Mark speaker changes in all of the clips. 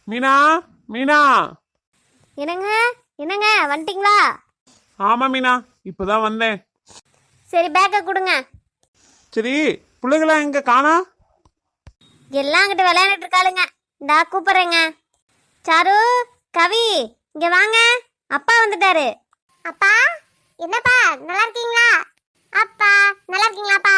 Speaker 1: மீனா, மீனா.
Speaker 2: என்னங்க என்னங்க வந்துட்டீங்களா?
Speaker 1: ஆமா மீனா, இப்பதான் வந்தேன்.
Speaker 2: சரி பேக்கை கொடுங்க.
Speaker 1: சரி, பிள்ளைகளா எங்க காணா?
Speaker 2: எல்லாம் அங்கிட்ட விளையாண்டுட்டு இருக்காளுங்க. இந்தா கூப்பிடுறேங்க. சாரு, கவி, இங்க வாங்க. அப்பா வந்துட்டாரு. அப்பா, என்னப்பா நல்லா இருக்கீங்களா? அப்பா நல்லா இருக்கீங்களாப்பா?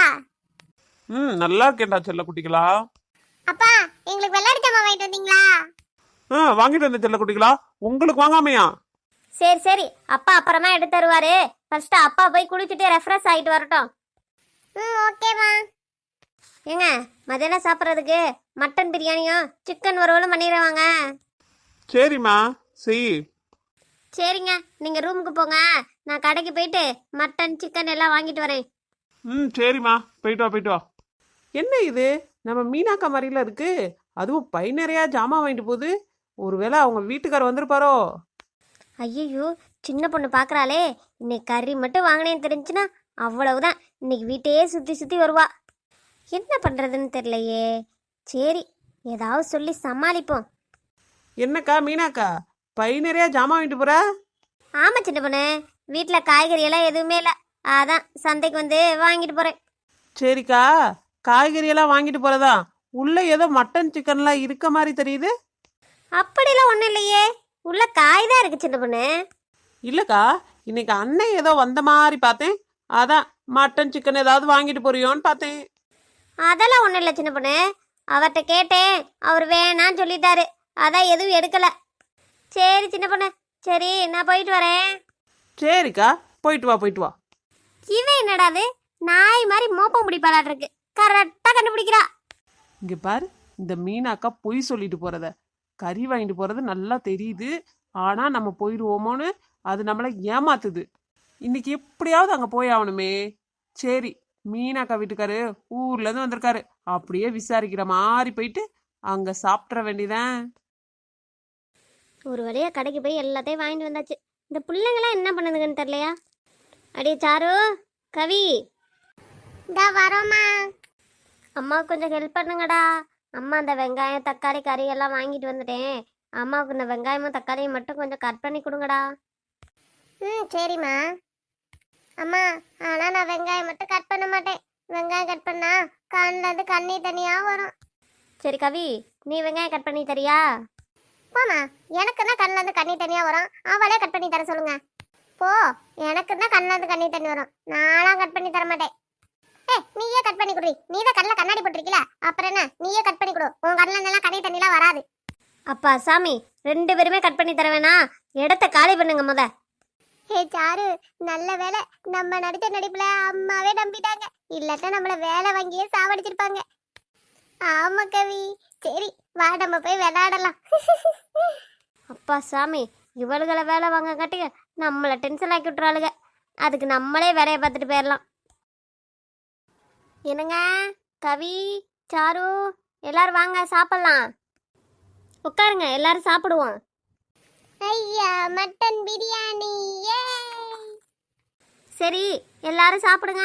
Speaker 1: நல்லா இருக்கேன்டா செல்ல குட்டிகளா.
Speaker 2: அப்பா, எங்களுக்கு விளையாட்டு ஜாமான் வாங்கிட்டு வந்தீங்களா?
Speaker 1: வாங்கிட்டு வந்த செல்ல குட்டிகளா. உங்களுக்கு வாங்காமையா?
Speaker 2: சரி சரி, அப்பா அப்புறமா எடுத்து தருவாரு. ஃபர்ஸ்ட் அப்பா போய் குளிச்சுட்டு ரெஃப்ரெஷ் ஆகிட்டு வரட்டும். ஓகேம்மா. ஏங்க, மதியானம் சாப்பிட்றதுக்கு மட்டன் பிரியாணியும் சிக்கன் வறுவலும் பண்ணிடுவாங்க.
Speaker 1: சரிம்மா, செய்.
Speaker 2: சரிங்க, நீங்கள் ரூமுக்கு போங்க. நான் கடைக்கு போயிட்டு மட்டன் சிக்கன் எல்லாம் வாங்கிட்டு வரேன்.
Speaker 1: சரிம்மா, போயிட்டு வா போயிட்டு வா. என்ன இது, நம்ம மீனாக்கா மாதிரில இருக்கு. அதுவும் பை நிறையா ஜாமான் வாங்கிட்டு போகுது. ஒருவேளை அவங்க வீட்டுக்காரர் வந்திருப்பாரோ?
Speaker 2: ஐயோ, சின்ன பொண்ணு பார்க்குறாளே. இன்னைக்கு கறி மட்டும் வாங்கினேன்னு தெரிஞ்சுன்னா அவ்வளவுதான். இன்னைக்கு வீட்டையே சுற்றி சுற்றி வருவா. என்ன பண்ணுறதுன்னு தெரியலையே. சரி, ஏதாவது சொல்லி சமாளிப்போம்.
Speaker 1: என்னக்கா மீனாக்கா, பை நிறையா ஜாமான் வாங்கிட்டு போற?
Speaker 2: ஆமாம் சின்ன பொண்ணு, வீட்டில் காய்கறி எல்லாம் எதுவுமே இல்லை. அதான் சந்தைக்கு வந்து வாங்கிட்டு போகிறேன்.
Speaker 1: சரிக்கா, காய்கறி எல்லாம் வாங்கிட்டு போறதா? உள்ள ஏதோ மட்டன் சிக்கன்லாம் இருக்க மாதிரி தெரியுது.
Speaker 2: அப்படிலாம் ஒன்றும் இல்லையே, உள்ள காய் தான் இருக்கு சின்ன பொண்ணு.
Speaker 1: இல்லக்கா, இன்னைக்கு அண்ணன் ஏதோ வந்த மாதிரி பார்த்தேன். அதான் மட்டன் சிக்கன் ஏதாவது வாங்கிட்டு போறியோன்னு பார்த்தேன்.
Speaker 2: அதெல்லாம் ஒன்றும் இல்லை சின்ன பொண்ணு. அவர்கிட்ட கேட்டேன், அவர் வேணான்னு சொல்லிட்டாரு. அதான் எதுவும் எடுக்கலை. சரி சின்ன பொண்ணு, சரி நான் போயிட்டு வரேன்.
Speaker 1: சரிக்கா, போயிட்டு வா போயிட்டு வா.
Speaker 2: இவன் என்னடாது, நாய் மாதிரி மோப்பம் பிடிப்பாளாட் இருக்கு. கரெக்டாக கண்டுபிடிக்கிறா.
Speaker 1: இங்க பாரு, இந்த மீனாக்கா பொய் சொல்லிட்டு போறத. கறி வாங்கிட்டு போறது நல்லா தெரியுது. ஆனா நம்ம போயிடுவோமோன்னு அது நம்மளை ஏமாத்துது. இன்னைக்கு எப்படியாவது அங்க போய் ஆகணுமே. சரி, மீனாக்கா வீட்டுக்காரு ஊர்ல இருந்து வந்திருக்காரு. அப்படியே விசாரிக்கிற மாதிரி போயிட்டு அங்க சாப்பிட்ற வேண்டியதான்.
Speaker 2: ஒரு வழியாக கடைக்கு போய் எல்லாத்தையும் வாங்கிட்டு வந்தாச்சு. இந்த பிள்ளைங்களாம் என்ன பண்ணுதுங்கன்னு தெரியலையா? அடியே சாரு, கவி, இந்த வரோம்மா. அம்மாவுக்கு கொஞ்சம் ஹெல்ப் பண்ணுங்கடா. அம்மா அந்த வெங்காயம் தக்காளி கறி எல்லாம் வாங்கிட்டு வந்துட்டேன். அம்மாவுக்கு இந்த வெங்காயமும் தக்காளியும் மட்டும் கொஞ்சம் கட் பண்ணி கொடுங்கடா. சரிம்மா. அம்மா, ஆனால் நான் வெங்காயம் மட்டும் கட் பண்ண மாட்டேன். வெங்காயம் கட் பண்ணா கண்ணில் கண்ணீர் தனியாக வரும். சரி கவி, நீ வெங்காயம் கட் பண்ணி தரியா? போமா, எனக்கு தான் கண்ணில் இருந்து கண்ணீர் தனியாக வரும். அவளே கட் பண்ணி தர சொல்லுங்க. போ, எனக்கு தான் கண்ணில் இருந்து கண்ணீர் தண்ணி வரும். நானும் கட் பண்ணி தர மாட்டேன். நீயே கட் பண்ணி கொடு. நீ தான் கண்ணில் கண்ணாடி போட்டிருக்கல, அப்புறம் என்ன, நீயே கட் பண்ணி கொடு. உன் கண்ணில் இருந்தெல்லாம் கண்ணீர் தண்ணிலாம் வராது. அப்பா சாமி, 2 பேருமே கட் பண்ணி தர வேணா, இடத்த காலி பண்ணுங்க முத. ஹே சாரு, நல்ல வேலை நம்ம நடித்த நடிப்புல அம்மாவே நம்பிட்டாங்க. இல்லாட்ட நம்மள வேலை வாங்கியே சாவடிச்சிருப்பாங்க. ஆமா கவி. சரி வா, நம்ம போய் விளையாடலாம். அப்பா சாமி, இவளுகளை வேலை வாங்க காட்டிங்க நம்மளை டென்ஷன் ஆக்கி விட்டுறாளுங்க. அதுக்கு நம்மளே வேலையை பார்த்துட்டு போயிடலாம். என்னங்க, கவி, சாரு, எல்லாரும் வாங்க சாப்பிடலாம். உட்காருங்க, எல்லாரும் சாப்பிடுவோம். ஐயா, மட்டன் பிரியாணி. சரி, எல்லாரும் சாப்பிடுங்க.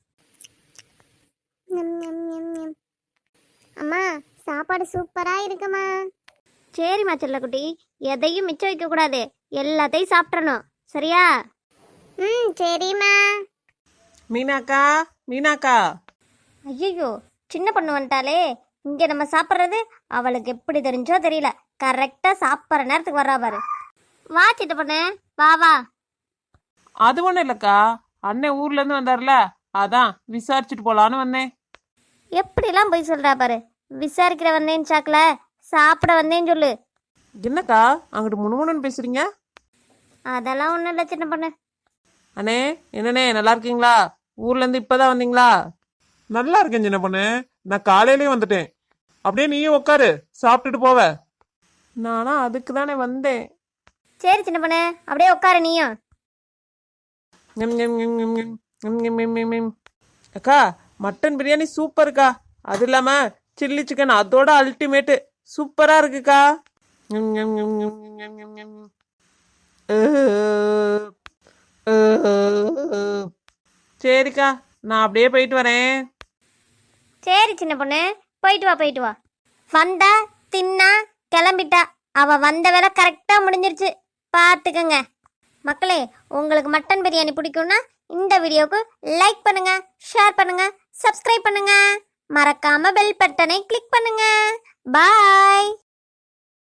Speaker 2: அம்மா, சாப்பாடு சூப்பரா இருக்குமா? சரிம்மா செல்லக்குட்டி, எதையும் மிச்சம் வைக்க கூடாது. எல்லாத்தையும் சாப்பிட்றணும், சரியா? சரிம்மா.
Speaker 1: மீனாக்கா, மீனாக்கா.
Speaker 2: ஐயோ, சின்ன பொண்ணு வந்துட்டாலே. இங்கே நம்ம சாப்பிட்றது அவளுக்கு எப்படி தெரிஞ்சோ தெரியல. கரெக்டாக சாப்பிட்ற நேரத்துக்கு வர்றா பாரு. வா சின்ன பொண்ணு, வா வா.
Speaker 1: அது ஒன்றும் இல்லைக்கா, அண்ணன் ஊர்ல இருந்து வந்தார்ல, அதான் விசாரிச்சுட்டு போலான்னு வந்தேன்.
Speaker 2: எப்படிலாம் போய் சொல்கிறா பாரு. விசாரிக்கிற வந்தேன்னு சாக்கல, சாப்பிட வந்தேன்னு சொல்லு.
Speaker 1: என்னக்கா அங்கிட்டு முணுமுணுன்னு பேசுறீங்க?
Speaker 2: அதெல்லாம் ஒன்றும் இல்லை சின்ன பொண்ணு.
Speaker 1: அண்ணே, என்னண்ணே நல்லா இருக்கீங்களா? ஊர்ல இருந்து இப்பதான் வந்தீங்களா? நல்லா இருக்கேன் சின்ன பொண்ணு, நான் காலையிலேயே வந்துட்டேன். அப்படியே நீயும் உட்காரு, சாப்பிட்டுட்டு போவ. நானா அதுக்கு தானே வந்தேன்.
Speaker 2: சரி சின்ன பொண்ணு, அப்படியே உட்காரு நீயும்.
Speaker 1: அக்கா, மட்டன் பிரியாணி சூப்பர்க்கா. அது இல்லாம சில்லி சிக்கன் அதோட அல்டிமேட்டு, சூப்பரா இருக்குக்கா. சரிக்கா, நான் அப்படியே போயிட்டு வரேன்.
Speaker 2: சரி சின்ன பொண்ணு, போயிட்டு வா போயிட்டு வா. வந்தா தின்னா கிளம்பிட்டா, அவ வந்த வேலை கரெக்டா முடிஞ்சிருச்சு, பார்த்துக்கங்க. மக்களே, உங்களுக்கு மட்டன் பிரியாணி பிடிக்கும்னா இந்த வீடியோக்கு லைக் பண்ணுங்க, ஷேர் பண்ணுங்க, சப்ஸ்கிரைப் பண்ணுங்க, மறக்காம பெல் பட்டனை கிளிக் பண்ணுங்க. பாய்.